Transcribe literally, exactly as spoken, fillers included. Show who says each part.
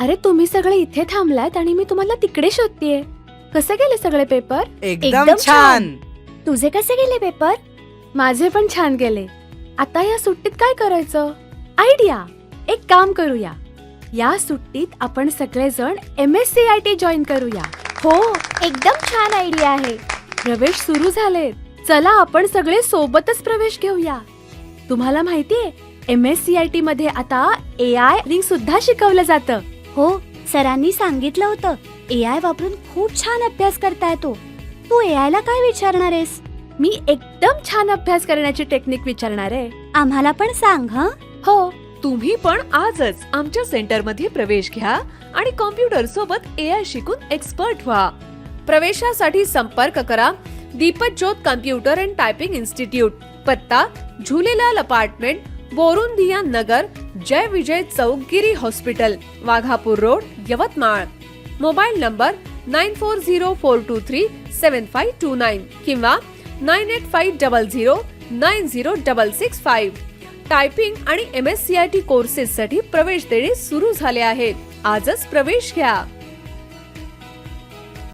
Speaker 1: अरे तुम्ही सगळे इथे थांबलात आणि मी तुम्हाला तिकडे शोधतेय. कसे गेले सगळे पेपर?
Speaker 2: एकदम छान.
Speaker 1: तुझे कसे गेले पेपर? माझे पण छान गेले. आता या सुट्टीत काय करायचं? आयडिया. एक काम करूया, या सुट्टीत आपण सगळेजण M S C I T join करूया. हो, एकदम छान आयडिया आहे. प्रवेश सुरू झालेत. चला आपण सगळे सोबतच प्रवेश घेऊया. तुम्हाला माहितीये M S C I T मध्ये आता ए आय रिंग सुद्धा शिकवलं जातं.
Speaker 3: हो, सरांनी सांगितलं होतं ए आय वापरून खूप छान अभ्यास करता येतो. तू ए आय ला काय विचारणार आहेस?
Speaker 1: मी एकदम छान अभ्यास करण्याची टेक्निक विचारणार आहे.
Speaker 3: आम्हाला पण सांग. हं
Speaker 1: हो,
Speaker 4: तुम्ही पण आजच आमच्या सेंटर मध्ये प्रवेश घ्या आणि कॉम्प्युटर सोबत ए आय शिकून एक्सपर्ट व्हा. प्रवेशासाठी संपर्क करा दीपक ज्योत कम्प्युटर अँड टायपिंग इन्स्टिट्यूट. पत्ता Jhulelal apartment, Borundiya Nagar, Jay Vijay Chowk, Giri hospital, Waghapur road, Yavatmal. Mobile number nine four zero four two three seven five two nine किंवा nine eight five double zero nine zero double six five. Typing आणि M S C I T courses साठी प्रवेश देणे सुरू झाले आहेत. आजच प्रवेश घ्या.